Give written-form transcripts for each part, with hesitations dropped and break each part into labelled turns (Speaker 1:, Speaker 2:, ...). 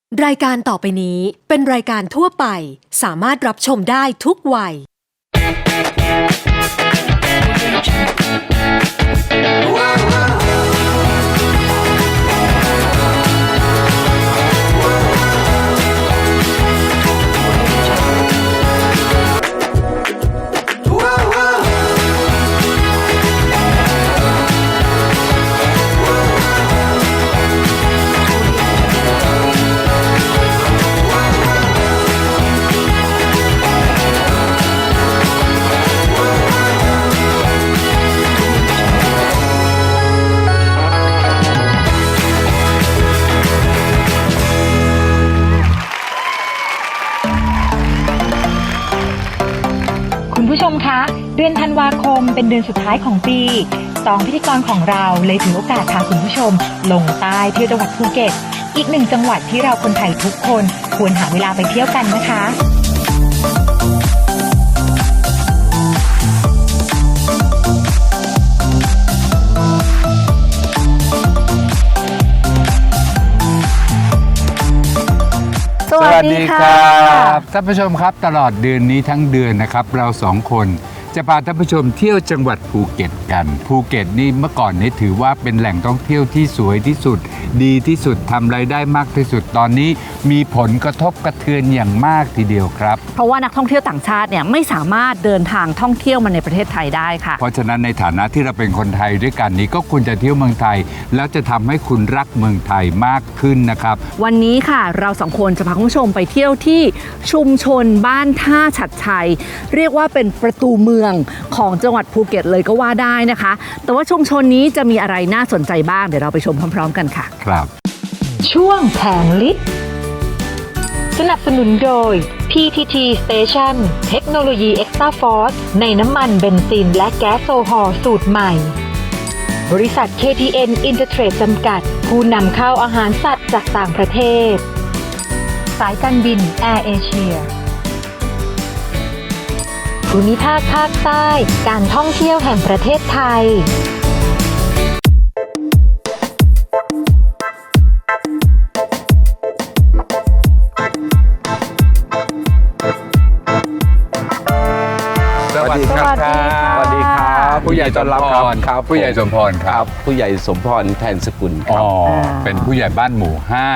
Speaker 1: รายการต่อไปนี้เป็นรายการทั่วไปสามารถรับชมได้ทุกวัย
Speaker 2: คุณผู้ชมคะเดือนธันวาคมเป็นเดือนสุดท้ายของปี2พิธีกรของเราเลยถือโอกาสพาคุณผู้ชมลงใต้เที่ยวจังหวัดภูเก็ตอีกหนึ่งจังหวัดที่เราคนไทยทุกคนควรหาเวลาไปเที่ยวกันนะคะ
Speaker 3: สวัสดีครับท่านผู้ชมครับตลอดเดือนนี้ทั้งเดือนนะครับเราสองคนจะพาท่านผู้ชมเที่ยวจังหวัดภูเก็ตกันภูเก็ตนี่เมื่อก่อนนี้ถือว่าเป็นแหล่งท่องเที่ยวที่สวยที่สุดดีที่สุดทำรายได้มากที่สุดตอนนี้มีผลกระทบกระเทือนอย่างมากทีเดียวครับ
Speaker 4: เพราะว่านักท่องเที่ยวต่างชาติเนี่ยไม่สามารถเดินทางท่องเที่ยวมาในประเทศไทยได้ค่ะ
Speaker 3: เพราะฉะนั้นในฐานะที่เราเป็นคนไทยด้วยกันนี้ก็ควรจะเที่ยวเมืองไทยแล้วจะทำให้คุณรักเมืองไทยมากขึ้นนะครับ
Speaker 4: วันนี้ค่ะเราสองคนจะพาคุณผู้ชมไปเที่ยวที่ชุมชนบ้านท่าฉัตรชัยเรียกว่าเป็นประตูเมืองของจังหวัดภูเก็ตเลยก็ว่าได้นะคะแต่ว่าชุมชนนี้จะมีอะไรน่าสนใจบ้างเดี๋ยวเราไปชมพร้อมๆกันค่ะ
Speaker 3: ครับ
Speaker 2: ช่วงแผงลิตรสนับสนุนโดย PTT Station เทคโนโลยี Extra Force ในน้ำมันเบนซินและแก๊สโซฮอลสูตรใหม่บริษัท KTN Intertrade จำกัดผู้นำเข้าอาหารสัตว์จากต่างประเทศสายการบิน Air Asia ภูมิภาคภาคใต้การท่องเที่ยวแห่งประเทศไทย
Speaker 3: สวัสดีครับ
Speaker 5: สวัสดีครับ
Speaker 3: ผู้ใหญ่ต้อนรับครับผู้ใหญ่สมพรครับ
Speaker 5: ผู้ใหญ่สมพรแทนสกุลครับ
Speaker 3: เป็นผู้ใหญ่บ้านหมู่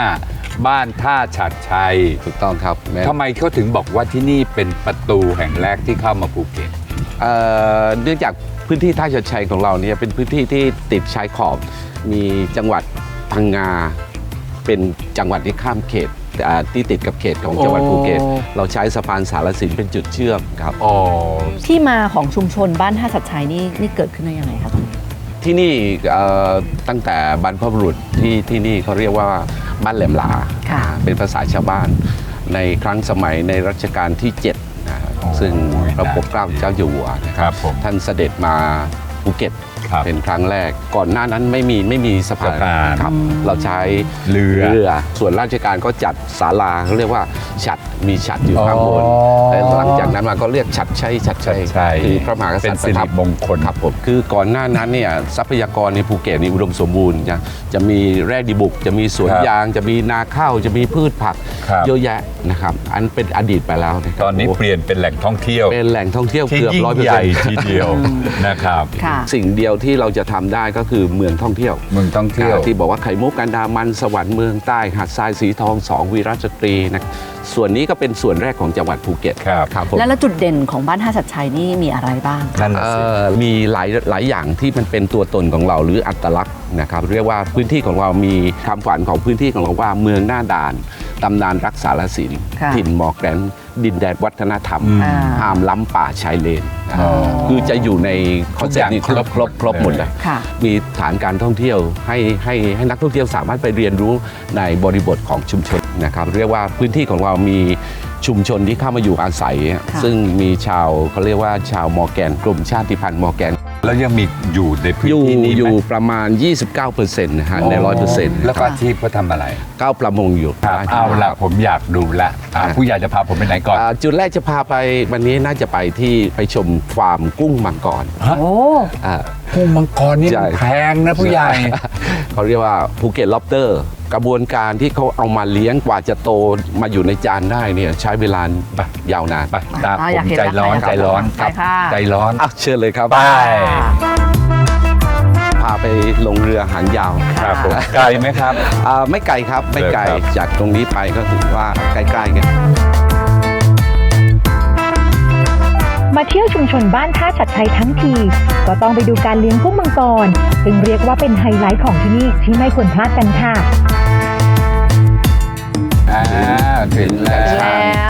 Speaker 3: 5บ้านท่าฉัตรชัย
Speaker 5: ถูกต้องครับ
Speaker 3: ทำไมเขาถึงบอกว่าที่นี่เป็นประตูแห่งแรกที่เข้ามาภูเก็ต
Speaker 5: เนื่องจากพื้นที่ท่าฉัตรชัยของเราเนี่ยเป็นพื้นที่ที่ติดชายขอบมีจังหวัดพังงาเป็นจังหวัดที่ข้ามเขตที่ติดกับเขตของจังหวัดภูเก็ตเราใช้สะพานสารสินเป็นจุดเชื่อมครับ
Speaker 4: ที่มาของชุมชนบ้านท่าฉัตรชัยนี่เกิดขึ้นได้ยังไงครับ
Speaker 5: ที่นี่ตั้งแต่บรรพบุรุษที่นี่เขาเรียกว่าบ้านแหลมหลาเป็นภาษาชาวบ้านในครั้งสมัยในรัชกาลที่7นะซึ่งพระปกเกล้าเจ้าอยู่หัวนะครับท่านเสด็จมาภูเก็ตเป็นครั้งแรกก่อนหน้านั้นไม่มีสะพานครับเราใช้เรือส่วนราชการก็จัดศาลาเขาเรียกว่าฉัตรมีฉัตรอยู่ข้างบนแล้วหลังจากนั้นมาก็เรียกฉัตรชัยคือพระมหากษัตริย์
Speaker 3: เป็นสิริมงคล
Speaker 5: ครับผมคือก่อนหน้านั้นเนี่ยทรัพยากรในภูเก็ตนี่อุดมสมบูรณ์จะมีแร่ดีบุกจะมีสวนยางจะมีนาข้าวจะมีพืชผักเยอะแยะนะครับอันเป็นอดีตไปแล้ว
Speaker 3: ตอนนี้เปลี่ยนเป็นแหล่งท่องเที่ยว
Speaker 5: เป็นแหล่งท่องเที่ยวเกือบ
Speaker 3: 100%ทีเดียวนะครับ
Speaker 5: สิ่งเดียวที่เราจะทำได้ก็คือเมืองท่องเที่ยวที่บอกว่าไข่มุกกันดามันสวรรค์เมืองใต้หาดทรายสีทอง2วีรสตรีนะส่วนนี้ก็เป็นส่วนแรกของจังหวัดภูเก็ต
Speaker 3: ครับ
Speaker 4: แล้วจุดเด่นของบ้านท่าฉัตรชัยนี่มีอะไรบ้าง
Speaker 5: มีหลายอย่างที่มันเป็นตัวตนของเราหรืออัตลักษณ์นะครับเรียกว่าพื้นที่ของเรามีคำขวัญของพื้นที่ของเราว่าเมืองหน้าด่านตำนานรักษาศิลป์ถิ่นหมอกแกรนดินแดนวัฒนธรรมห้ามล้ำป่าชายเลนคือจะอยู่ในคอนเซ็ปต์นี้ครบหมดเลยมีฐานการท่องเที่ยวให้นักท่องเที่ยวสามารถไปเรียนรู้ในบริบทของชุมชนนะครับเรียกว่าพื้นที่ของเรามีชุมชนที่เข้ามาอยู่อาศัยซึ่งมีชาวเขาเรียกว่าชาวมอร์แกนกลุ่มชาติพันธุ์มอร์แกน
Speaker 3: แล้วยังมีอยู่ในพื้นที่นี้
Speaker 5: อยู่ประมาณ 29% นะฮะใน 100%
Speaker 3: แล้วก็อาชีพเขาทำอะไร
Speaker 5: ก้าวประมงอยู่
Speaker 3: เอาละผมอยากดูละผู้ใหญ่จะพาผมไปไหนก่อน
Speaker 5: จุดแรกจะพาไปวันนี้น่าจะไปชมฟาร์มกุ้งมังกร
Speaker 3: กุ้งมังกรนี่แพงนะผู้ใหญ่
Speaker 5: เขาเรียกว่าภูเก็ตล็อบสเตอร์กระบวนการที่เขาเอามาเลี้ยงกว่าจะโตมาอยู่ในจานได้เนี่ยใช้เวลายาวนาน
Speaker 3: ไปตาม
Speaker 4: อ่ะ
Speaker 3: ผ
Speaker 4: อยาก
Speaker 3: ม
Speaker 4: เห็น
Speaker 3: ใจร้อน
Speaker 4: แล้ว
Speaker 3: ใจร้อน
Speaker 4: ไปค่ะ
Speaker 3: ใจร้อน
Speaker 5: อ่ะเชิญเลยครับ
Speaker 3: ไป
Speaker 5: พาไปลงเรือหางยาว
Speaker 3: ครับผมไกลไหมครับ
Speaker 5: ไม่ไกลครับไม่ไกล
Speaker 3: ครับ
Speaker 5: จากตรงนี้ไปก็ถือว่าใกล้ๆกัน
Speaker 2: มาเที่ยวชุมชนบ้านท่าชัดชัยทั้งที ก็ต้องไปดูการเลี้ยงกุ้งมังกร ซึ่งเรียกว่าเป็นไฮไลท์ของที่นี่ที่ไม่ควรพลาดกันค่ะ
Speaker 3: ถึงแล้ว
Speaker 4: แล้ว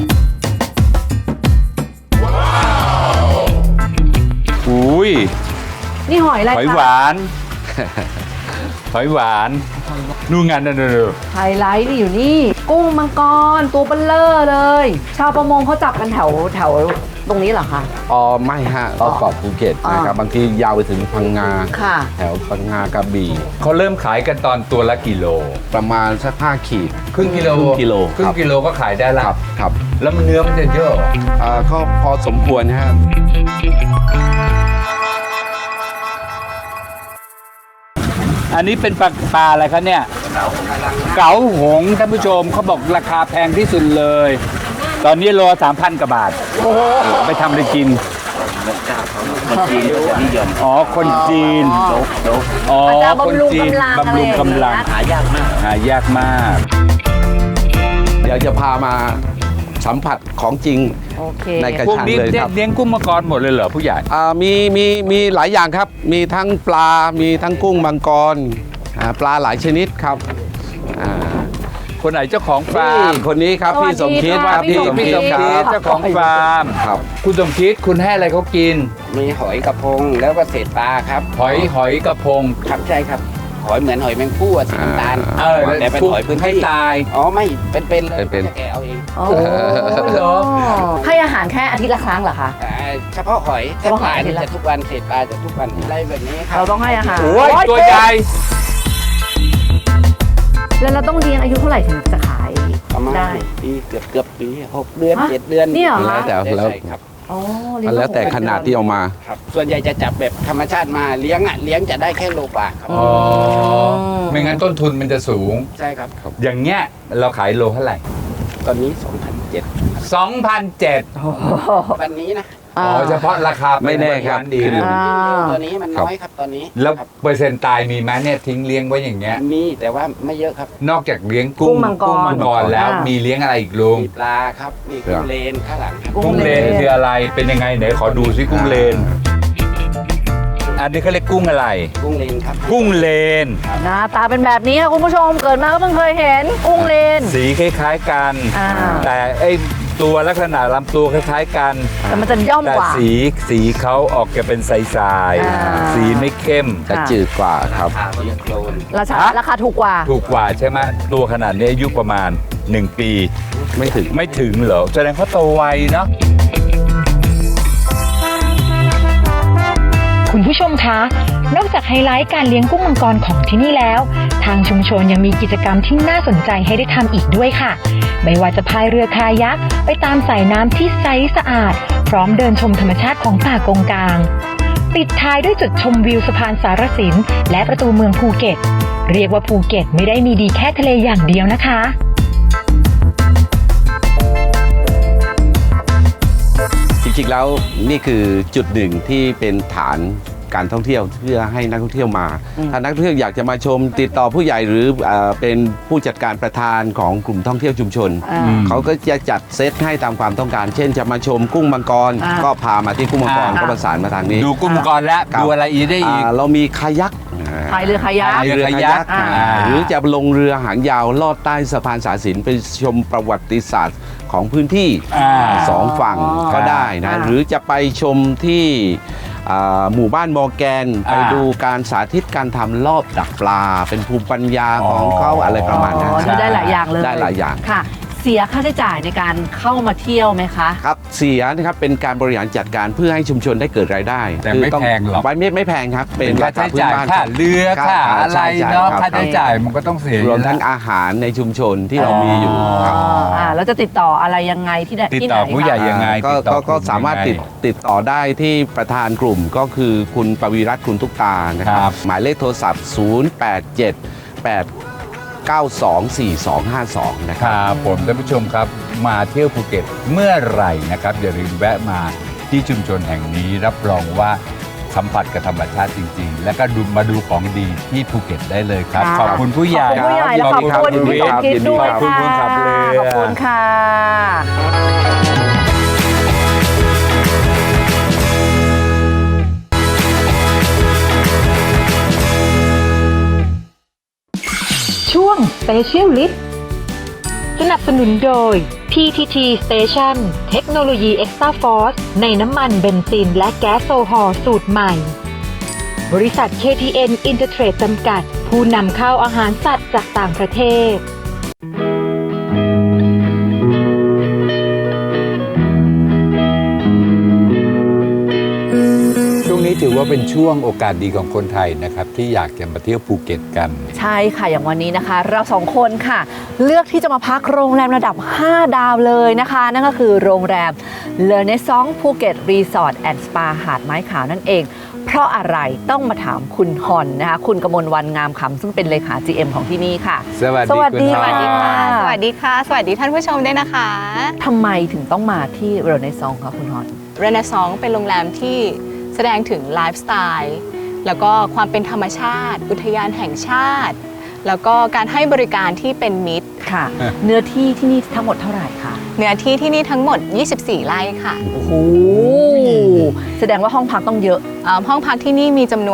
Speaker 3: อุ้ย
Speaker 4: นี่หอยอะไร
Speaker 3: หอย
Speaker 4: คะ
Speaker 3: หวาน หอยหวานนู่นไงนั่น
Speaker 4: ไฮไลท์นี่อยู่นี่ กุ้งมังกรตัวเบลเลอร์เลย ชาวประมงเขาจับกันแถวตรงนี้เหรอคะ
Speaker 5: ไม่ฮะรอบเกาะภูเก็ตนะครับบางทียาวไปถึงพังงา
Speaker 4: ค่ะ
Speaker 5: แถวพังงากระบี่
Speaker 3: เขาเริ่มขายกันตอนตัวละกิโล
Speaker 5: ประมาณสัก5 ขีด
Speaker 3: ครึ่งกิโล
Speaker 5: ครึ่งกิโล
Speaker 3: ครึ่งกิโลก็ขายได้ละ
Speaker 5: ครับ
Speaker 3: แล้วมันเนื้อมันจะเยอะเหรอ
Speaker 5: ก็พอสมควรฮะ
Speaker 3: อันนี้เป็นปลาอะไรคะเนี่ย เก๋าหงส์ท่านผู้ชมเขาบอกราคาแพงที่สุดเลย ตอนนี้โล 3,000 กว่าบาท ไปทำอะไรกิน อ๋อ คนจีน อ๋อ
Speaker 4: มันจะ
Speaker 3: คน
Speaker 4: บำรุง
Speaker 3: จีน
Speaker 4: กำลัง
Speaker 3: บำรุงกำลัง
Speaker 4: อะไรอย่างเงี้ย
Speaker 3: หายากมาก หายากมาก
Speaker 5: เดี๋ยวจะพามาสัมผัสของจริง
Speaker 4: โอเค
Speaker 5: ในกระ
Speaker 3: พวก
Speaker 5: ชัง
Speaker 3: นี้
Speaker 5: เลยครับ
Speaker 3: เลี้ยงกุ้งมังกรหมดเลยเหรอผู้ใหญ่
Speaker 5: มีหลายอย่างครับ มีทั้งปลา มีทั้งกุ้งมังกรปลาหลายชนิดครับอ่า
Speaker 3: คนไหนเจ้าของฟาร์ม
Speaker 5: คนนี้ครับพี่สมคิด
Speaker 4: สวัสดีค่ะ
Speaker 3: พี่สมคิด
Speaker 5: ครั
Speaker 3: เจ้าของฟาร์ม
Speaker 5: ครับ
Speaker 3: คุณสมคิดคุณให้อะไรเขากิน
Speaker 6: มีหอยกระพงแล้วก็เศษปลาครับ
Speaker 3: หอยกระพง
Speaker 6: ครับใช่ครับ หอยเหมือนหอยแมงผู้อะสีน้ำตาล แต่เป็นหอยพื้น
Speaker 3: ให้
Speaker 6: ที่
Speaker 3: ตาย
Speaker 6: อ๋อไม่เป็นเลย
Speaker 5: เป็น
Speaker 6: จะแกะเอาเอง
Speaker 4: โอ้
Speaker 3: เหรอ
Speaker 4: ให้อาหารแค่อาทิตย์ละครั้งเหรอคะ
Speaker 6: เฉพาะหอย
Speaker 4: เฉ
Speaker 6: แต่
Speaker 4: พาะ
Speaker 6: ป
Speaker 4: หอ
Speaker 6: ลาย
Speaker 4: นี่
Speaker 6: นี่
Speaker 4: แหละ
Speaker 6: จะทุกวันเศษปลาจะทุกวันอะไรแบบนี้ครั
Speaker 4: เรา
Speaker 6: บ
Speaker 4: ต้องให้อาหาร
Speaker 3: โอ้ยตัวใหญ่
Speaker 4: แล้วเราต้องเลี้ยงอายุเท่าไหร่ถึงจะขาย
Speaker 6: ประมาณ
Speaker 4: ได้
Speaker 6: ปีเกือบปี6 เดือน
Speaker 4: ฮะ
Speaker 6: 7 เดือน
Speaker 4: เนี่ยเหรอ
Speaker 5: แล้วแต่แล้ว
Speaker 6: ใช่ครับ
Speaker 4: อ๋อเลี้ยง
Speaker 5: แล้วแต่ขนาดที่เอามา
Speaker 6: ครับ ส่วนใหญ่จะจับแบบธรรมชาติมาเลี้ยงจะได้แค่โลกว่าครับ
Speaker 3: อ๋อ ไม่งั้นต้นทุนมันจะสูง
Speaker 6: ใช่ครับ
Speaker 3: อย่างเงี้ยเราขายโลเท่าไหร่
Speaker 6: ตอนนี้
Speaker 3: 2,700
Speaker 6: วันนี้นะ
Speaker 3: อ๋อเฉพาะราคา
Speaker 5: ไม่แน่ครับ
Speaker 3: ดี
Speaker 5: ขึ้น
Speaker 6: ตัวนี้มันน้อยครับตอนนี้
Speaker 3: แล้ว
Speaker 6: ครับ
Speaker 3: เปอร์เซ็นต์ตายมีไหมเนี่ยทิ้งเลี้ยงไว้อย่างเงี้ย
Speaker 6: มีแต่ว่าไม่เยอะครับ
Speaker 3: นอกจากเลี้ยง
Speaker 4: กุ้
Speaker 3: กุ้
Speaker 4: งมังกร
Speaker 3: มังกรแล้ว
Speaker 4: อ่ามี
Speaker 3: มีเลี้ยงอะไรอีกลุง
Speaker 6: มีปลาครับมีกุ้งเลนข้างหลังครับ
Speaker 3: กุ้งเลนคืออะไรเป็นยังไงไหนขอดูซิกุ้งเลน อันนี้เขาเรียกกุ้งอะไร
Speaker 6: กุ้งเลนครับ
Speaker 3: กุ้งเลน
Speaker 4: หน้าตาเป็นแบบนี้ค่ะคุณผู้ชมเกิดมาก็เพิ่งเคยเห็นกุ้งเลน
Speaker 3: สีคล้ายๆกัน
Speaker 4: อ่า
Speaker 3: แต่ไอ้ตัวลักษณะลำตัวคล้ายๆกัน
Speaker 4: แต่มันจะย่อม
Speaker 3: แต่
Speaker 4: กว่า
Speaker 3: สีเขาออกจะเป็นใส
Speaker 4: อ่า
Speaker 3: ๆสีไม่เข้ม
Speaker 5: จะจืดกว่าครับ
Speaker 6: เรียกโคลน
Speaker 4: ราคาถูกกว่า
Speaker 3: ถูกกว่าใช่ไหมตัวขนาดนี้อายุประมาณ 1 ปี
Speaker 5: ไม่ถึง
Speaker 3: ไม่ถึงเหรอแสดงเขาโตไวเนาะ
Speaker 2: คุณผู้ชมคะ นอกจากไฮไลท์การเลี้ยงกุ้งมังกรของที่นี่แล้ว ทางชุมชนยังมีกิจกรรมที่น่าสนใจให้ได้ทำอีกด้วยค่ะ ไม่ว่าจะพายเรือคายักไปตามสายน้ำที่ใสสะอาด พร้อมเดินชมธรรมชาติของป่ากงกาง ปิดท้ายด้วยจุดชมวิวสะพานสารสินและประตูเมืองภูเก็ต เรียกว่าภูเก็ตไม่ได้มีดีแค่ทะเลอย่างเดียวนะคะ
Speaker 5: จริงๆแล้วนี่คือจุดหนึ่งที่เป็นฐานการท่องเที่ยวเพื่อให้นักท่องเที่ยวมา ถ้านักท่องเที่ยวอยากจะมาชมติดต่อผู้ใหญ่หรือเป็นผู้จัดการประธานของกลุ่มท่องเที่ยวชุมชน เขาก็จะจัดเซตให้ตามความต้องการ เช่นจะมาชมกุ้งมังกร ก็พามาที่กุ้งมังกรก็ประสานมาทางนี้
Speaker 3: ดูกุ้งมังกรแล้ว
Speaker 5: ครับ
Speaker 3: ดูอะไรอีกได้อีก
Speaker 5: เรามีคายัก
Speaker 4: พายเรือคายัก
Speaker 3: พายเรือคายัก
Speaker 5: หรือจะลงเรือหางยาวลอดใต้สะพานสารสินไปชมประวัติศาสตร์ของพื้นที่ สองฝั่งก็ได้นะ หรือจะไปชมที่หมู่บ้านมอร์แกนไปดูการสาธิตการทำรอบดักปลา เป็นภูมิปัญญาของเขาอะไรประมาณนั้น
Speaker 4: ดูได้หลายอย่างเลย
Speaker 5: ได้หลายอย่าง
Speaker 4: ค่ะ เสียค่าใช้จ่ายในการเข้ามาเที่ยวไหมคะ
Speaker 5: ครับเสียนะครับเป็นการบริหารจัดการเพื่อให้ชุมชนได้เกิดรายได้
Speaker 3: แต่ไม่
Speaker 5: คือต้อง
Speaker 3: แพงหรอก
Speaker 5: ไม่แพงครับ
Speaker 3: เป็นค่าใช้จ่าย
Speaker 5: พื้นบ้น
Speaker 3: ค่าเรือค่าอะไร
Speaker 5: ใช่
Speaker 3: เนาะ
Speaker 5: รับ
Speaker 3: ค่าใช้จ่ายมันก็ต้องเสีย
Speaker 5: รวมทั้งอาหารในชุมชนที่เรามีอยู่ครับ
Speaker 4: แล้วจะติดต่ออะไรยังไงที่ไหน
Speaker 3: ติด
Speaker 4: ที่ไหน
Speaker 3: ต่อผู้ใหญ่
Speaker 4: คะ
Speaker 3: ยังไง
Speaker 5: ก็
Speaker 3: ติดต่อก
Speaker 5: ก็
Speaker 3: ลุ่
Speaker 5: สามารถ
Speaker 3: ยังไง
Speaker 5: ติดต่อได้ที่ประธานกลุ่มก็คือคุณปวีรัตน์คุณทุกตานะค
Speaker 3: ครั
Speaker 5: รับ
Speaker 3: บ
Speaker 5: หมายเลขโทรศัพท์ 087 8 0924252 นะค
Speaker 3: ครับ รับผมท่านผู้ชมครับมาเที่ยวภูเก็ตเมื่อไหร่นะครับอย่าลืมแวะมาที่ชุมชนแห่งนี้รับรองว่าสัมผัสกับธรรมชาติจริง ๆ และก็มาดูของดีที่ภูเก็ตได้เลยครับ
Speaker 4: ค่ะ
Speaker 3: ขอบคุณผู้ใหญ่
Speaker 4: ขอบคุณผู้ใหญ่และขอบคุณพี่สมคิดด้วย
Speaker 3: ขอบคุณ
Speaker 4: ค่ะ
Speaker 3: ผู้ขับเรือ
Speaker 4: ขอบคุณค่ะ
Speaker 2: ช่วง Special List สนับสนุนโดย PTT Station เทคโนโลยี Extra Force ในน้ำมันเบนซินและแก๊สโซฮอล์สูตรใหม่ บริษัท KTN Intertrade จำกัด ผู้นำเข้าอาหารสัตว์จากต่างประเทศ
Speaker 3: ช่วงนี้ถือว่าเป็นช่วงโอกาสดีของคนไทยนะครับที่อยากจะมาเที่ยวภูเก็ตกัน
Speaker 4: ใช่ค่ะ อย่างวันนี้นะคะ เราสองคนค่ะ เลือกที่จะมาพักโรงแรมระดับ 5 ดาวเลยนะคะ นั่นก็คือโรงแรมเลอเนซองภูเก็ตรีสอร์ทแอนด์สปาหาดไม้ขาวนั่นเอง เพราะอะไรต้องมาถามคุณฮอนนะคะ คุณกมลวรรณงามคำซึ่งเป็นเลขา GM ของที่นี่ค่ะ
Speaker 3: สวัสดี
Speaker 4: สวัสดี
Speaker 3: คุณฮอน
Speaker 4: ค่ะ
Speaker 7: สวัสดีค่ะ สวัสดีท่านผู้ชมด้วยนะคะ
Speaker 4: ทำไมถึงต้องมาที่เลอเนซองคะคุณฮอน
Speaker 7: เรเนซองเป็นโรงแรมที่แสดงถึงไลฟ์สไตล์แล้วก็ความเป็นธรรมชาติ อุทยานแห่งชาติ แล้วก็การให้บริการที่เป็นมิตร
Speaker 4: ค่ะ เนื้อที่ที่นี่ทั้งหมดเท่าไหร่คะ
Speaker 7: เนื้อที่ที่นี่ทั้งหมด 24 ไร่ค่ะ
Speaker 4: โอ้โหแสดงว่าห้องพักต้องเยอะ
Speaker 7: ห้องพักที่นี่มีจำนวน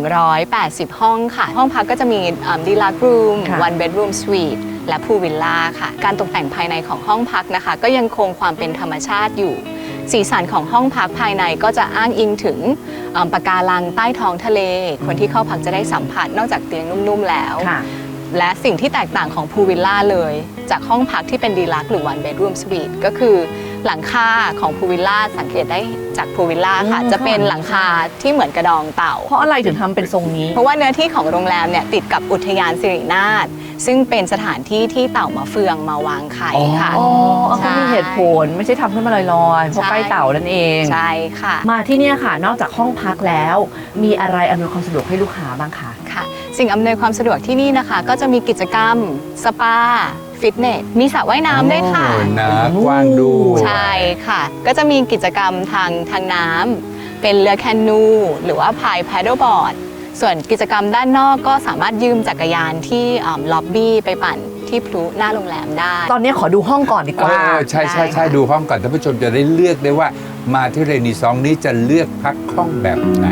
Speaker 7: 180 ห้องค่ะ ห้องพักก็จะมีดีลักซ์รูม
Speaker 4: ค่ะ
Speaker 7: one bedroom suite และพูลวิลล่าค่ะ การตกแต่งภายในของห้องพักนะคะ ก็ยังคงความเป็นธรรมชาติอยู่ สีสันของห้องพักภายในก็จะอ้างอิงถึงปะการังใต้ท้องทะเล คนที่เข้าพักจะได้สัมผัสนอกจากเตียงนุ่มๆแล้ว
Speaker 4: ค่ะ
Speaker 7: และสิ่งที่แตกต่างของพูลวิลล่าเลย จากห้องพักที่เป็นดีลักซ์หรือ one bedroom suite ก็คือหลังคาของพูลวิลล่าสังเกตได้จากพูลวิลล่าค่ะ จะเป็นหลังคาที่เหมือนกระดองเต่า
Speaker 4: เพราะอะไรถึงทำเป็นทรงนี้
Speaker 7: เพราะว่าเนื้อที่ของโรงแรมเนี่ยติดกับอุทยานสิรินาถซึ่งเป็นสถานที่ที่เต่ามาเฟืองมาวางไข่ค่ะ
Speaker 4: อ๋อ
Speaker 7: ใช่
Speaker 4: ก็มีเหตุผลไม่ใช่ทำขึ้นมาลอยๆเพราะ
Speaker 7: ใช่
Speaker 4: ใกล้เต่านั่นเอง
Speaker 7: ใช่ค่ะ
Speaker 4: มาที่เนี่ยค่ะ นอกจากห้องพักแล้ว มีอะไรอำนวยความสะดวกให้ลูกค้าบ้างคะ
Speaker 7: ค่ะ สิ่งอำนวยความสะดวกที่นี่นะคะ ก็จะมีกิจกรรม สปา ฟิตเนส มีสระว่ายน้ำด้วยค่ะ
Speaker 3: โอ้นะกว้างดู
Speaker 7: ใช่ค่ะ ก็จะมีกิจกรรมทางน้ำเป็นเรือแคนู หรือว่าพายแพดเดิลบอร์ด ส่วนกิจกรรมด้านนอกก็สามารถยืมจักรยานที่ล็อบบี้ไปปั่นที่พลุหน้าโรงแรมได้
Speaker 4: ตอนนี้ขอดูห้องก่อนดีกว่า
Speaker 3: ใช่ใช่ใช่ดูห้องก่อนท่านผู้ชมจะได้เลือกได้ว่ามาที่เรนีซองนี้จะเลือกพักห้องแบบไหน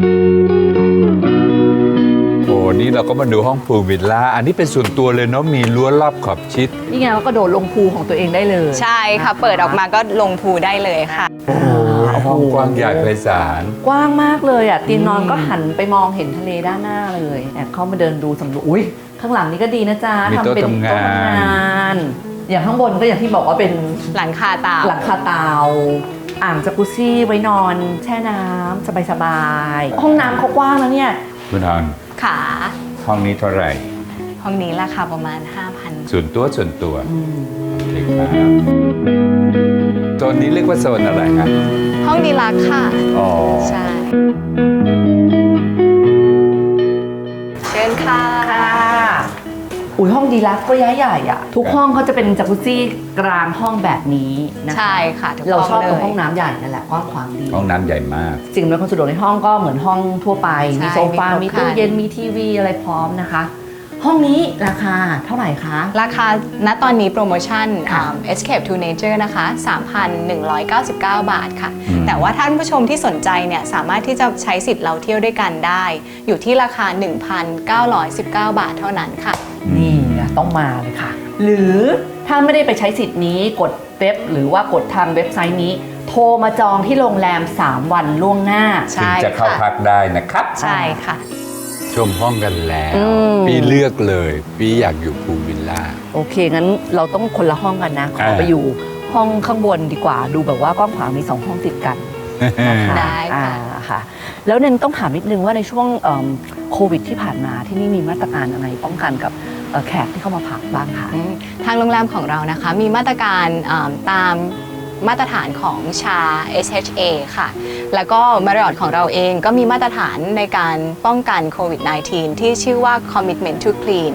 Speaker 3: โอ้นี่เราก็มาดูห้องพูลวิลล่าอันนี้เป็นส่วนตัวเลยเนาะมีรั้วรอบขอบชิด
Speaker 4: นี่ไงเราก็โดดลงพูลของตัวเองได้เลย
Speaker 7: ใช่ค่ะ เปิดออกมาก็ลงพูลได้เลยค่ะ
Speaker 4: โอ้โห
Speaker 3: ห้องกว้างใหญ่ไพศาล
Speaker 4: กว้างมากเลยอ่ะเตียงนอนก็หันไปมองเห็นทะเลด้านหน้าเลยแอบเข้ามาเดินดูสำรวจอุ้ยข้างหลังนี่ก็ดีนะจ๊ะ
Speaker 3: มีโต๊ะ
Speaker 4: ทำเป็น
Speaker 3: ทำงาน
Speaker 4: โต๊ะทำงาน อย่างข้างบนก็อย่างที่บอกว่าเป็น
Speaker 7: หลังคาเต่า
Speaker 4: หลังคาเตาอ่างจากุซซี่ไว้นอนแช่น้ำสบายๆห้องน้ำเขากว้างแล้วเนี่ย
Speaker 3: คุณฮอน
Speaker 7: ค่ะ
Speaker 3: ห้องนี้เท่าไหร่
Speaker 7: ห้องนี้ราคาประมาณ 5,000
Speaker 3: ส่วนตัวโอเคครับโซนนี้เรียกว่าโซนอะไรครับ
Speaker 7: ห้องดีลักซ์ค่ะ
Speaker 3: อ๋อ
Speaker 7: ใช่ เชิญค่ะ
Speaker 4: อุ้ยห้องดีลักซ์ก็ย้ายใหญ่อะทุกห้องเขาจะเป็นจากุซซี่กลางห้องแบบนี้นะคะ
Speaker 7: ใช่ค่ะทุก
Speaker 4: เราชอบตรง
Speaker 7: เลย
Speaker 4: ห้องน้ำใหญ่นั่นแหละกว้างขวางดี
Speaker 3: ห้องน้ำใหญ่มาก
Speaker 4: สิ่งอำนวยความสะดวกในห้องก็เหมือนห้องทั่วไป
Speaker 7: ใช่
Speaker 4: มีโซฟา
Speaker 7: มีครบ
Speaker 4: มีตู้
Speaker 7: ครัน
Speaker 4: เย็น มีทีวีอะไรพร้อมนะคะ ห้องนี้ราคาเท่าไหร่คะ
Speaker 7: ราคาณตอนนี้โปรโมชั่น
Speaker 4: ค่ะ
Speaker 7: Escape to Nature นะคะ 3,199 บาทค่ะ
Speaker 3: อืม
Speaker 7: แต่ว่าท่านผู้ชมที่สนใจเนี่ยสามารถที่จะใช้สิทธิ์เราเที่ยวด้วยกันได้ อยู่ที่ราคา 1,919 บาทเท่านั้นค่ะ
Speaker 4: นี่อะต้องมาเลยค่ะ หรือถ้าไม่ได้ไปใช้สิทธิ์นี้กดเว็บหรือว่ากดทางเว็บไซต์นี้ โทรมาจองที่โรงแรม 3 วันล่วงหน้า
Speaker 7: ใช่
Speaker 3: ถึงจะเข้า
Speaker 7: ค่ะ
Speaker 3: พักได้นะครับ
Speaker 7: ใช่ค่ะ
Speaker 3: ชมห้องกันแล้ว
Speaker 4: อืม
Speaker 3: พี่เลือกเลยพี่อยากอยู่พูลวิลล่า
Speaker 4: โอเค งั้นเราต้องคนละห้องกันนะ ขอไปอยู่ห้องข้างบนดีกว่า ดูแบบว่ากว้างขวางมี 2 ห้องติดกันนะคะ
Speaker 7: ได้ค่ะ
Speaker 4: ค่ะ แล้วเนนต้องถามนิดนึงว่าในช่วงโควิดที่ผ่านมาที่นี่มีมาตรการอะไรป้องกันกับแขกที่เข้ามาพักบ้างคะ
Speaker 7: ทางโรงแรมของเรานะคะมีมาตรการตามมาตรฐานของชา SHA ค่ะ แล้วก็ Marriott ของเราเองก็มีมาตรฐานในการป้องกันโควิด -19 ที่ชื่อว่า Commitment to Clean เพื่อ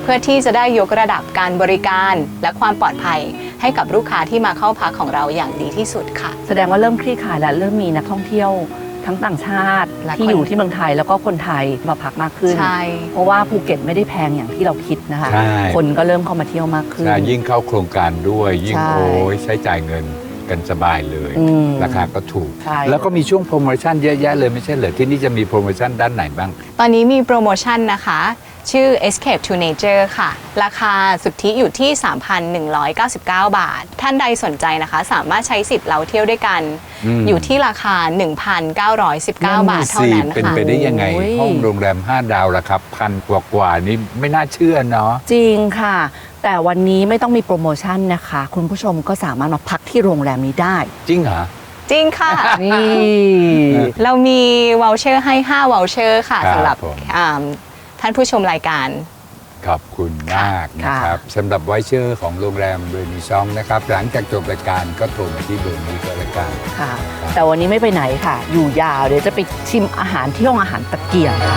Speaker 7: พื่อที่จะได้ยกระดับการบริการและความปลอดภัยให้กับลูกค้าที่มาเข้าพักของเราอย่างดีที่สุดค่ะ
Speaker 4: แสดงว่าเริ่มคลี่คลายแล้วเริ่มมีนักท่องเที่ยวทั้งต่างชาติ
Speaker 7: และ
Speaker 4: ที่
Speaker 7: คน
Speaker 4: อยู่ที่เมืองไทยแล้วก็คนไทยมาพักมากขึ้น
Speaker 7: ใช่
Speaker 4: เพราะว่าภูเก็ตไม่ได้แพงอย่างที่เราคิดนะคะ
Speaker 3: ใช่
Speaker 4: คนก็เริ่มเข้ามาเที่ยวมากขึ้น
Speaker 3: ยิ่งเข้าโครงการด้วยยิ่ง
Speaker 4: ใช่
Speaker 3: โอ้ยใช้จ่ายเงินกันสบายเลย
Speaker 4: อืม
Speaker 3: ราคาก็ถูก
Speaker 4: ใช่
Speaker 3: แล้วก็มีช่วงโปรโมชั่นเยอะแยะเลยไม่ใช่เหรอที่นี่จะมีโปรโมชั่นด้านไหนบ้าง
Speaker 7: ตอนนี้มีโปรโมชั่นนะคะ ชื่อ Escape to Nature ค่ะ ราคาสุทธิอยู่ที่ 3,199 บาท ท่านใดสนใจนะคะ สามารถใช้สิทธิ์เราเที่ยวด้วยกัน อยู่ที่ราคา 1,919 บาทเท่านั้น
Speaker 3: เป็น
Speaker 7: ค่ะ
Speaker 3: ไปได้ยังไง
Speaker 4: โอ้ย
Speaker 3: ห้องโรงแรม 5 ดาวละครับพันกว่านี่ไม่น่าเชื่อเนาะ
Speaker 4: จริงค่ะ แต่วันนี้ไม่ต้องมีโปรโมชั่นนะคะ คุณผู้ชมก็สามารถมาพักที่โรงแรมนี้ได้
Speaker 3: จริงเหรอ
Speaker 7: จริงค่ะ
Speaker 4: นี่
Speaker 7: เรามีวอลเชอร์ให้5วอลเชอร์ค่ะ
Speaker 3: ครับ
Speaker 7: สำหรับ
Speaker 3: ผม
Speaker 7: ท่านผู้ชมรายการ
Speaker 3: ขอบคุณมากนะครับสำหรับไวเชอร์ของโรงแรมเบอร์นีซองนะครับ หลังจากจบรายการก็โทรมาที่เบอร์นี้ก็แล้วกัน
Speaker 4: ค่ะ แต่วันนี้ไม่ไปไหนค่ะ อยู่ยาวเดี๋ยวจะไปชิมอาหารที่ห้องอาหารตะเกียงค่ะ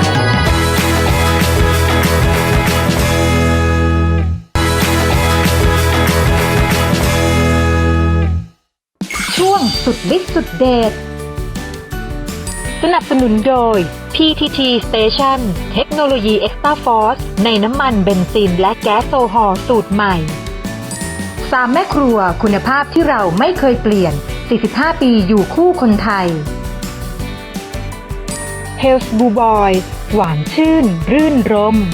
Speaker 2: ช่วงสุดฤทธิ์สุดเดชสนับสนุนโดย PTT Station เทคโนโลยี Extra Force ในน้ำมันเบนซินและแก๊สโซฮอล์สูตรใหม่3แม่ครัวคุณภาพที่เราไม่เคยเปลี่ยน 45 ปีอยู่คู่คนไทย Health Blue Boy หวานชื่น รื่นรม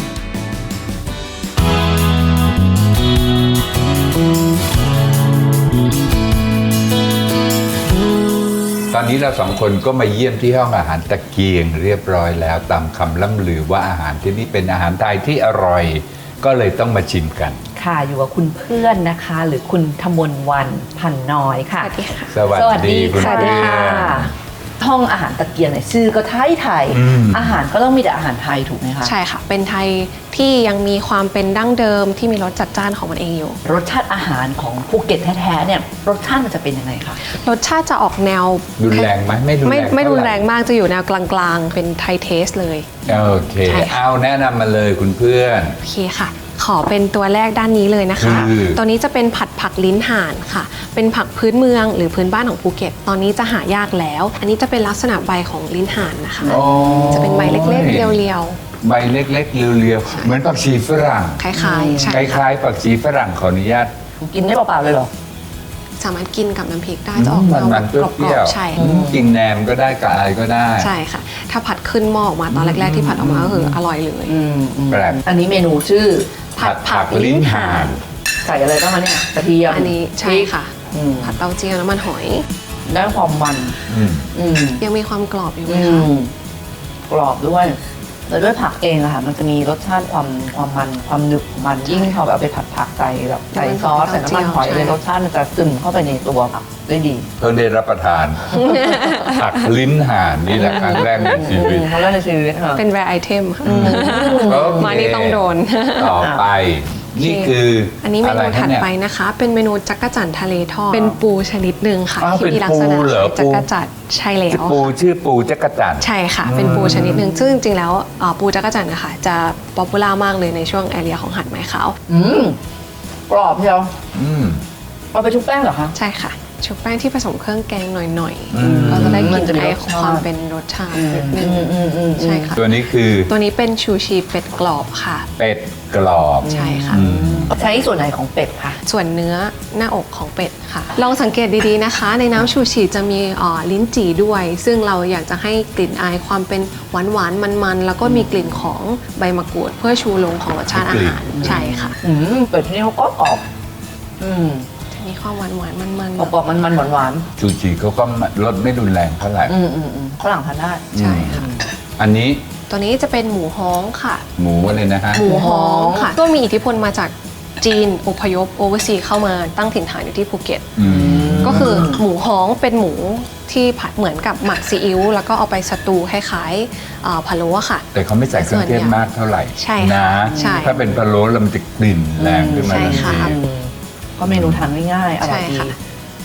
Speaker 3: ตอนนี้เราสองคนก็มาเยี่ยมที่ห้องอาหารตะเกียงเรียบร้อยแล้วตามคำล่ำลือว่าอาหารที่นี่เป็นอาหารไทยที่อร่อย ก็เลยต้องมาชิมกัน
Speaker 4: ค่ะอยู่กับคุณเพื่อนนะคะ หรือคุณธมนวรรณพันน้อยค่ะ
Speaker 3: สวัสดีคุณ
Speaker 4: สวัส
Speaker 3: เพื่
Speaker 4: ดี
Speaker 3: อ
Speaker 4: ค่ะ
Speaker 3: น
Speaker 4: ห้องอาหารตะเกียงเนี่ยชื่อก็ไทยไทย
Speaker 3: อืม
Speaker 4: อาหารก็ต้องมีแต่อาหารไทยถูกไหมคะ
Speaker 8: ใช่ค่ะ เป็นไทยที่ยังมีความเป็นดั้งเดิมที่มีรสจัดจ้านของมันเองอยู่
Speaker 4: รสชาติอาหารของภูเก็ตแท้ๆเนี่ยรสชาติมันจะเป็นยังไงคะ
Speaker 8: รสชาติจะออกแนว
Speaker 3: รุนแรงไหมไม่รุนแรง
Speaker 8: ไม่รุนแรง
Speaker 3: เท่าไห
Speaker 8: มากจะอยู่แนวกลางๆ เป็นไทยเทสเลย
Speaker 3: โอเค
Speaker 8: ใช่ค่ะ
Speaker 3: เอาแนะนำมาเลยคุณเพื่อน
Speaker 8: โอเคค่ะ ขอเป็นตัวแรกด้านนี้เลยนะคะ
Speaker 3: คือ
Speaker 8: ตัวนี้จะเป็นผัดผักลิ้นห่านค่ะ เป็นผักพื้นเมืองหรือพื้นบ้านของภูเก็ต ตอนนี้จะหายากแล้ว อันนี้จะเป็นลักษณะใบของลิ้นห่านนะคะ
Speaker 3: โอ้
Speaker 8: จะเป็นใบเล็กๆ เรียว
Speaker 3: ใบเล็กๆเรียวๆเหมือนผักชีฝรั่ง
Speaker 8: ๆ คล้ายๆ ใช่
Speaker 3: ค
Speaker 8: ค่ะ
Speaker 3: ล้ายๆผักชีฝรั่งขออนุญาต
Speaker 4: กินได้เปล่าๆเลยเหรอ
Speaker 8: สามารถกินกับน้ำพริกได้จะออก
Speaker 3: มัน
Speaker 8: แนว
Speaker 3: มันเป
Speaker 8: กรอ
Speaker 3: รี้ยว
Speaker 8: บๆใช่
Speaker 3: กินแหนมก็ได้กับอะไรก็ได้
Speaker 8: ใช่ค่ะ ถ้าผัดขึ้นหม้อออกมาตอนแรกๆที่ผัดออกมาก็คืออร่อยเลย
Speaker 3: แปลก
Speaker 4: อันนี้เมนูชื่อ
Speaker 8: ผัดผักลิ้นห่าน
Speaker 4: ใส่อะไรบ้างคะเนี่ยกระเทียม
Speaker 8: อันนี้ใช่ค่ะ
Speaker 4: อืม
Speaker 8: ผัดเต้าเจี้ยวน้ำมันหอย
Speaker 4: ได้ความมัน
Speaker 3: อืม
Speaker 4: อืม
Speaker 8: ยังมีความกรอบอยู่ไหม
Speaker 4: อื
Speaker 8: คะ
Speaker 4: มกรอบด้วยแล้วด้วยผักเองอะค่ะ มันจะมีรสชาติความมันความหนึบของมันยิ่งพอแบบเอาไปผัดผักใส่แบบใส่ซอสใส่น้ำมันหอยเลยรสชาติมันจะซึมเข้าไปในตัวผักได้ดี
Speaker 3: เพิ่งได้รับประทาน ผักลิ้นห่านนี่แหละครั้งแรกในชีวิต
Speaker 4: เขาเล่าในชีวิตค่ะ
Speaker 8: เป็น rare item ค่ะ
Speaker 3: โอเค
Speaker 8: มานี่ต้องโดน
Speaker 3: ต่อไป นี่คือ
Speaker 8: อันนี้เม
Speaker 3: ะไร
Speaker 8: นู
Speaker 3: คะ
Speaker 8: ถัด
Speaker 3: เนี่ย
Speaker 8: ไปนะคะ เป็นเมนูจักรจั่นทะเลทอด เป็นปูชนิดหนึ่งค่ะ
Speaker 3: อ้าว
Speaker 8: ที่มีลักษณะ
Speaker 3: เป็นปูเหรอ
Speaker 8: จักรจั่นใช่แล้ว
Speaker 3: ปู
Speaker 8: ค่ะ
Speaker 3: ชื่อปูจักรจั่น
Speaker 8: ใช่ค่ะ เป็นปูชนิดหนึ่งซึ่งจริงๆแล้วปูจักรจั่นนะคะจะป๊อปปูล่ามากเลยในช่วงแอเรียของหาดไม้ขาว
Speaker 4: กรอบเชียว
Speaker 3: อืม
Speaker 4: เอาไปชุบแป้งเหรอคะ
Speaker 8: ใช่ค่ะ ชุบแป้งที่ผสมเครื่องแกงหน่อย
Speaker 3: อืม
Speaker 8: ๆก็จะได้ก
Speaker 4: มั
Speaker 8: ลิ่
Speaker 4: น
Speaker 8: น
Speaker 4: จะมี
Speaker 8: ไอ
Speaker 4: รสชาติ
Speaker 8: ความเป็นรสชาตินิดนึงใช่ค่ะ
Speaker 3: ตัวนี้คือ
Speaker 8: ตัวนี้เป็นชูชีเป็ดกรอบค่ะ
Speaker 3: เป็ดกรอบ
Speaker 8: ใช่ค่ะ
Speaker 3: อืม
Speaker 4: ใช้ส่วนไหนของเป็ดคะ
Speaker 8: ส่วนเนื้อหน้าอกของเป็ดค่ะ ลองสังเกตดีๆนะคะ ในน้ำชูชีจะมีลิ้นจี่ด้วย ซึ่งเราอยากจะให้กลิ่นอายความเป็นหวานๆมันๆแล้วก็มีกลิ่นของใบมะกรูดเพื่อชูโรงของรสชาติอาหารใช่ค่ะ
Speaker 4: เป็ดที่นี่เขาก็กรอบ
Speaker 8: จะมีความหวานๆมัน
Speaker 4: กรอบๆมันหวาน
Speaker 3: ชูชีเขาก็รสไม่รุนแรงเท่าไหร่
Speaker 4: ฝรั่งทานได้
Speaker 8: ๆใช่ค่ะ
Speaker 3: อันนี้
Speaker 8: ตัวนี้จะเป็นหมูฮ้องค่ะ
Speaker 3: หมูอะไรนะฮะ
Speaker 8: หมูฮ้องค่ะ ก็มีอิทธิพลมาจากจีนอพยพโอเวอร์ซีเข้ามาตั้งถิ่นฐานอยู่ที่ภูเก็ต
Speaker 3: อืม
Speaker 8: ก็คือหมูฮ้องเป็นหมูที่ผัดเหมือนกับหมักซีอิ๊วแล้วก็เอาไปสตูคล้ายๆพะโล้ค่ะ
Speaker 3: แต่เขาไม่ใส่เครื่องเทศมากเท่าไหร่
Speaker 8: ใช่ค่ะ
Speaker 3: นะ
Speaker 8: ใช่
Speaker 3: ถ้าเป็นพะโล้แล้วมันจะกลิ่นแรงขึ้นมา
Speaker 8: ใช่
Speaker 3: ทัน
Speaker 8: ค่ะ
Speaker 3: ที
Speaker 4: ก็เมนูทานง่ายๆอร่อย
Speaker 8: ใช่
Speaker 4: ดี
Speaker 8: ค่ะ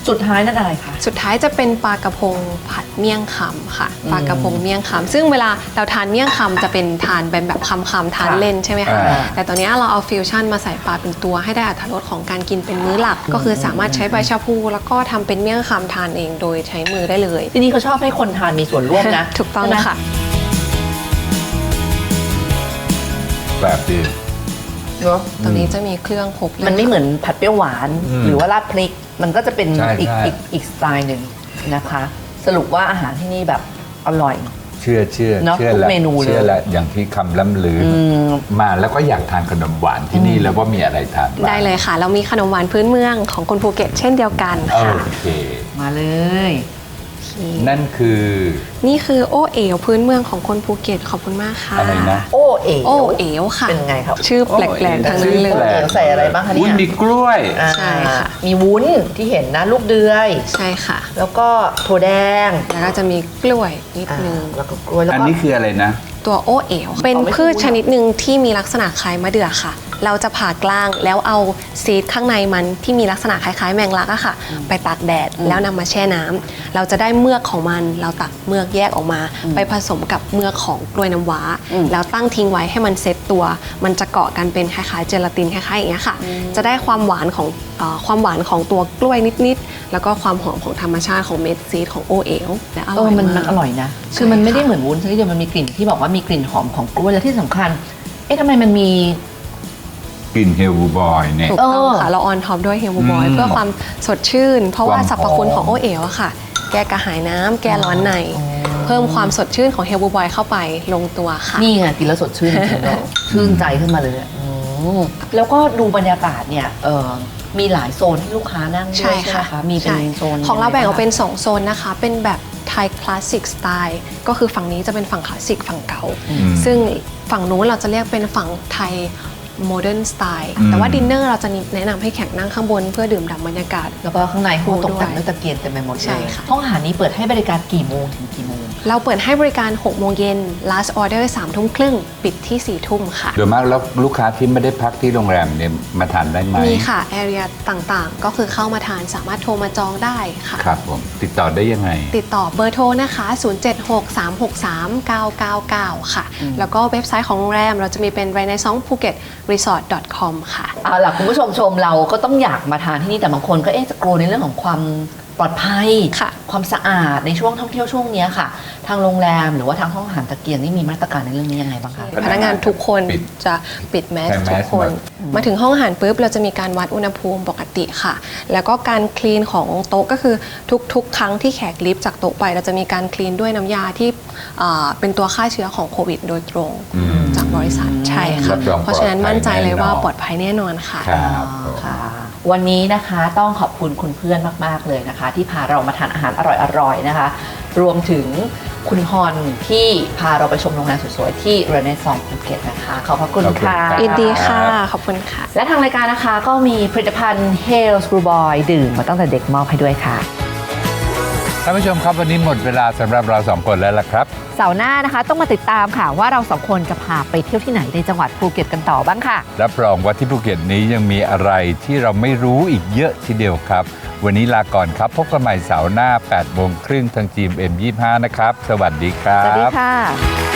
Speaker 4: สุดท้ายนั่นอะไรคะ
Speaker 8: สุดท้ายจะเป็นปลากระพงผัดเมี่ยงคำค่ะปลากระพงเมี่ยงคำซึ่งเวลาเราทานเมี่ยงคำจะเป็นทานเป็นแบบคำทานเล่นใช่ไหมคะแต่ตอนนี้เราเอาฟิวชั่นมาใส่ปลาเป็นตัวให้ได้อรรถรสของการกินเป็นมื้อหลัก ก็คือสามารถใช้ใบชะพูแล้วก็ทำเป็นเมี่ยงคำทานเองโดยใช้มือได้เลย
Speaker 4: ที่นี่เขาชอบให้คนทานมีส่วนร่วมนะ
Speaker 8: ถูกต้องค่ะ
Speaker 3: แบบดี
Speaker 8: ตรงนี้จะมีเครื่องครบเลย
Speaker 4: มันไม่เหมือนผัดเปรี้ยวหวาน หรือว่าราดพริก มันก็จะเป็น
Speaker 3: ใช่
Speaker 4: อีกสไตล์หนึ่งนะคะ สรุปว่าอาหารที่นี่แบบอร่อย
Speaker 3: เชื่อ
Speaker 4: เนอะ
Speaker 3: เชื่อ
Speaker 4: ทุก
Speaker 3: แล้ว
Speaker 4: เมนูเลย
Speaker 3: เชื่อแล้วอย่างที่คำล่ำลือมาแล้วก็อยากทานขนมหวานที่นี่แล้วว่ามีอะไรทานบ้าง
Speaker 8: ได้เลยค่ะ เรามีขนมหวานพื้นเมืองของคนภูเก็ตเช่นเดียวกัน
Speaker 3: โอ
Speaker 8: ค่ะ
Speaker 3: เค
Speaker 4: มาเลย
Speaker 3: นั่นคือ
Speaker 8: นี่คือโอเอ๋วพื้นเมืองของคนภูเก็ตขอบคุณมากค่ะ
Speaker 3: อะไรนะ
Speaker 4: โอเอ๋
Speaker 8: โอเอ๋วค่ะ
Speaker 4: เป็นไงครับ
Speaker 8: ชื่อแปลกๆทั้งนั้นเลย
Speaker 3: แปลก
Speaker 4: ใส่อะไรบ้างคะ
Speaker 3: วุ้
Speaker 4: เนี่
Speaker 3: น
Speaker 4: ย
Speaker 3: มีกล้วย
Speaker 8: ใช่ค่ะ
Speaker 4: มีวุ้นที่เห็นนะลูกเดือย
Speaker 8: ใช่ค่ะ
Speaker 4: แล้วก็ถั่วแดง
Speaker 8: แล้วก็จะมีกล้วยนิดนึง
Speaker 4: แล้วก็กล้วยแล้ว
Speaker 3: อัน
Speaker 4: ก็
Speaker 3: นี้คืออะไรนะ
Speaker 8: ตัวโอเอ๋วเป็นพืชชนิดหนึ่งที่มีลักษณะคล้ายมะเดื่อค่ะ เราจะผ่ากลางแล้วเอาซีดข้างในมันที่มีลักษณะคล้ายๆแมงลักอะค่ะ ไปตากแดดแล้วนำมาแช่น้ำเราจะได้เมือกของมันเราตักเมือกแยกออกมา ไปผสมกับเมือกของกล้วยน้ำว้า แล้วตั้งทิ้งไว้ให้มันเซตตัว มันจะเกาะกันเป็นคล้ายๆเจลาตินคล้ายๆอย่างเงี้ยค่ะ จะได้ความหวานของตัวกล้วยนิดๆแล้วก็ความหอมของธรรมชาติของเม็ดซีดของโอเอ๋วและอร่อย
Speaker 4: มัน
Speaker 8: มาก
Speaker 4: อร่อยนะ คือมันไม่ได้เหมือนวุ้นซะทีเดียวมันมีกลิ่นที่บอกว่ามีกลิ่นหอมของกล้วยและที่สำคัญ ทำไมมันมี
Speaker 3: กลิ่นเฮลบูบอยเนี่ย
Speaker 8: ถูกต้องค่ะ เราออนท็อปด้วยเฮลบอยเพื่อความสดชื่น เพราะว่า
Speaker 3: ความ
Speaker 8: สรรพคุณของโอเอ๋วอะค่ะ แก้กระหายน้ำแก้ร้อนใน เพิ่มความสดชื่นของเฮลบอยเข้าไปลงตัวค่ะ
Speaker 4: นี่ไงกินแล้วสดชื่นจริงๆเนอะชื่นใจขึ้นมาเลยแล้วก็ดูบรรยากาศเนี่ยมีหลายโซนที่ลูกค้านั่งด้วย
Speaker 8: ใช่
Speaker 4: ใช่ไหม
Speaker 8: ค่ะ
Speaker 4: คะมีเป็นโซน
Speaker 8: ของเราแบ่งออกเป็น 2 โซนนะคะ เป็นแบบไทยคลาสสิกสไตล์ก็คือฝั่งนี้จะเป็นฝั่งคลาสสิกฝั่งเก่า ซึ่งฝั่งนู้นเราจะเรียกเป็นฝั่งไทยโมเดิร์นสไตล์แต่ว่าดินเนอร์เราจะแนะนำให้แขกนั่งข้างบนเพื่อดื่มด่ำบรรยากาศ
Speaker 4: แล้วก็ข้างในเขาตกแต่งด้วยตะเกียงเต็มไปหมด
Speaker 8: ใช่
Speaker 4: เลย
Speaker 8: ค่ะ
Speaker 4: ห้องอาหารนี้เปิดให้บริการกี่โมงถึงกี่โมง
Speaker 8: เราเปิดให้บริการ 6 โมงเย็น last order 3 ทุ่มครึ่ง ปิดที่ 4 ทุ่มค่ะ
Speaker 3: โดยมากแล้วลูกค้าที่ไม่ได้พักที่โรงแรมเนี่ยมาทานได้ไหม
Speaker 8: มีค่ะ area ต่างๆ ก็คือเข้ามาทานสามารถโทรมาจองได้ค่ะ
Speaker 3: ครับผมติดต่อได้ยังไง
Speaker 8: ติดต่อเบอร์โทรนะคะ 0763639999 ค่ะ แล้วก็เว็บไซต์ของโรงแรมเราจะมีเป็น renaissance phuket resort.com ค่ะ
Speaker 4: เอาล่ะคุณผู้ชมเราก็ต้องอยากมาทานที่นี่แต่บางคนก็จะกลัวในเรื่องของความปลอดภัย
Speaker 8: ค่ะ
Speaker 4: ความสะอาดในช่วงท่องเที่ยวช่วงนี้ค่ะ ทางโรงแรมหรือว่าทางห้องอาหารตะเกียงนี่มีมาตรการในเรื่องนี้ยังไงบ้างคะ
Speaker 8: พนักงานทุกคน
Speaker 3: ปิด
Speaker 8: จะปิดแมส
Speaker 3: ใส่แมส
Speaker 8: ทุกคน
Speaker 3: หมด
Speaker 8: มาถึงห้องอาหารปุ๊บเราจะมีการวัดอุณหภูมิปกติค่ะ แล้วก็การคลีนของโต๊ะก็คือทุกครั้งที่แขกลิฟต์จากโต๊ะไปเราจะมีการคลีนด้วยน้ำยาที่เป็นตัวฆ่าเชื้อของโควิดโดยตรงจากบริษัทใช่ค่ะ
Speaker 3: รับรอง
Speaker 8: เพราะฉะนั้นมั่นใจเลยว่าปลอด
Speaker 3: แ
Speaker 8: ภัยแน่นอนค่ะ
Speaker 3: ครับผม
Speaker 4: ค่ะวันนี้นะคะต้องขอบคุณคุณเพื่อนมากๆเลยนะคะ ที่พาเรามาทานอาหารอร่อยๆนะคะ รวมถึงคุณฮอนที่พาเราไปชมโรงแรมสวยๆที่เรเนซองภูเก็ตนะคะขอบพระคุณ
Speaker 3: ขอบคุณ
Speaker 4: ค่ะ
Speaker 3: ครับ
Speaker 8: ยินดีค่ะ ขอบคุณค่ะ
Speaker 4: และทางรายการนะคะก็มีผลิตภัณฑ์ Hales Brew Boy ดื่มมาตั้งแต่เด็กมอบให้ด้วยค่ะ
Speaker 3: ท่านผู้ชมครับวันนี้หมดเวลาสำหรับเราสองคนแล้วล่ะครับ
Speaker 2: เสาร์หน้านะคะต้องมาติดตามค่ะว่าเราสองคนจะพาไปเที่ยวที่ไหนในจังหวัดภูเก็ตกันต่อบ้างค่ะ
Speaker 3: รับรองว่าที่ภูเก็ตนี้ยังมีอะไรที่เราไม่รู้อีกเยอะทีเดียวครับ วันนี้ลาก่อนครับ พบกันใหม่เสาร์หน้า 8 โมงครึ่งทางจีม M25 นะครับ สวัสดีครับ
Speaker 2: สวัสดีค่ะ